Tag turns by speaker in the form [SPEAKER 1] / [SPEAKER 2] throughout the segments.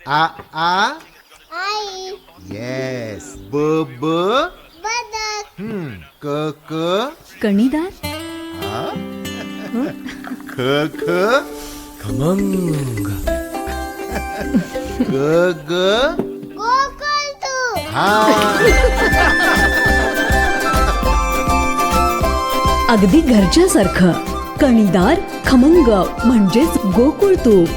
[SPEAKER 1] आ आ
[SPEAKER 2] आई.
[SPEAKER 1] Yes. ब ब
[SPEAKER 2] बदक.
[SPEAKER 1] क क
[SPEAKER 3] कणीदार.
[SPEAKER 1] ख ख
[SPEAKER 4] खमंग.
[SPEAKER 1] ग ग
[SPEAKER 2] गोकुळतू.
[SPEAKER 1] हा.
[SPEAKER 3] अगदी घरच्यासारखं. कणीदार खमंग म्हणजेच गोकुळ तूप.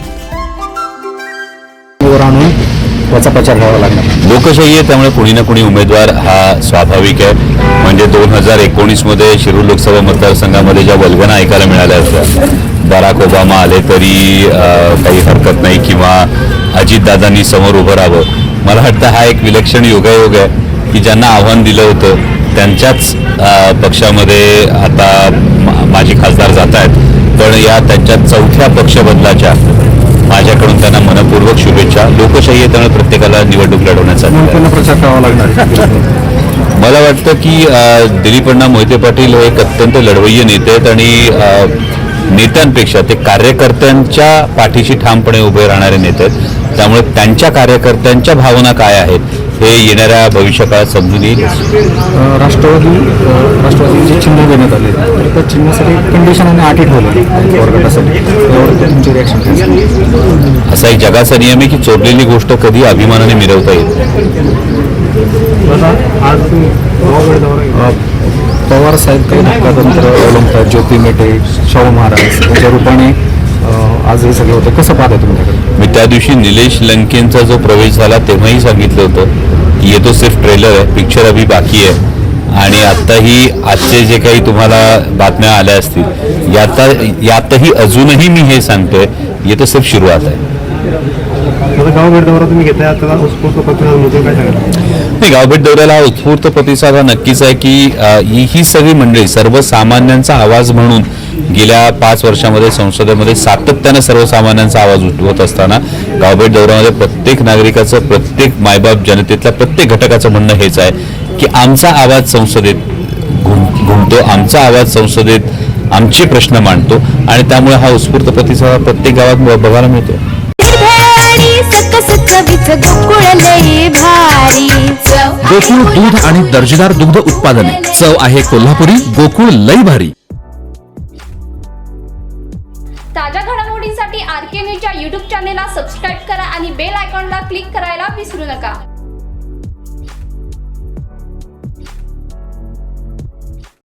[SPEAKER 5] आणून त्याचा प्रचार करावा लागणार.
[SPEAKER 6] लोकशाही आहे, त्यामुळे कुणी ना कुणी उमेदवार हा स्वाभाविक आहे. म्हणजे 2019 मध्ये शिरूर लोकसभा मतदारसंघामध्ये ज्या वल्गना ऐकायला मिळाल्या होत्या, बराक ओबामा आले तरी काही हरकत नाही किंवा अजितदादांनी समोर उभं राहावं, मला वाटतं हा एक विलक्षण योगायोग आहे की ज्यांना आव्हान दिलं होतं त्यांच्याच पक्षामध्ये आता माजी खासदार जात आहेत. पण या त्यांच्या चौथ्या पक्षबदलाच्या माझ्याकडून त्यांना मनपूर्वक शुभेच्छा. लोकशाही आहे, त्यामुळे प्रत्येकाला निवडणूक लढवण्याचा
[SPEAKER 5] प्रचार करावा लागणार.
[SPEAKER 6] मला वाटतं की दिलीप अण्णा मोहिते पाटील हे एक अत्यंत लढवय्ये नेते आहेत आणि नेत्यांपेक्षा ते कार्यकर्त्यांच्या पाठीशी ठामपणे उभे राहणारे नेते आहेत. त्यामुळे त्यांच्या कार्यकर्त्यांच्या भावना काय आहेत हे येणाऱ्या भविष्यकाळात समजून येईल.
[SPEAKER 5] राष्ट्रवादीचे चिन्ह देण्यात आले, त्या चिन्हासाठी कंडिशन आणि अटी ठेवले गटासाठी. तुमची रिॲक्शन?
[SPEAKER 6] असा एक जगाचा नियम आहे की चोरलेली गोष्ट कधी अभिमानाने मिरवता येते.
[SPEAKER 5] पवार साहेब काही धक्कातंत्र अवलंबतात, ज्योती मेटे, शाहू महाराज त्यांच्या रूपाने आज हे सगळं होतं. कसं पाहता तुमच्याकडे?
[SPEAKER 6] मी त्या दिवशी निलेश लंकेंचा जो प्रवेश झाला तेव्हाही सांगितलं होतं की ये तो सिर्फ ट्रेलर आहे, पिक्चर अभी बाकी आहे. आणि आत्ताही आजचे जे काही तुम्हाला बातम्या आल्या असतील यातही अजूनही मी हे सांगतोय, ये तो सिर्फ सुरुवात आहे.
[SPEAKER 5] गावभेट दौरा तुम्ही घेताय, आता उत्स्फूर्त प्रतिसाद काय सांगाल?
[SPEAKER 6] नाही, गावभेट दौऱ्याला उत्स्फूर्त प्रतिसाद हा नक्कीच आहे की ही सगळी मंडळी सर्वसामान्यांचा आवाज म्हणून गेल्या 5 वर्षामध्ये संसदेमध्ये सातत्यानं सर्वसामान्यांचा आवाज उठवत असताना गावभेट दौऱ्यामध्ये प्रत्येक नागरिकाचं, प्रत्येक मायबाप जनतेतल्या प्रत्येक घटकाचं म्हणणं हेच आहे की आमचा आवाज संसदेत घुमतो, आमचा आवाज संसदेत आमचे प्रश्न मांडतो आणि त्यामुळे हा उत्स्फूर्त प्रतिसाद प्रत्येक गावात बघायला मिळतो.
[SPEAKER 4] गोकुळ दूध आणि दर्जेदार दुग्ध उत्पादने. चव आहे कोल्हापुरी. गोकुळ लई भारी.
[SPEAKER 7] ताज्या घडामोडींसाठी RK न्यूजच्या YouTube चॅनेलला सबस्क्राईब करा आणि बेल आयकॉनला क्लिक करायला विसरू नका.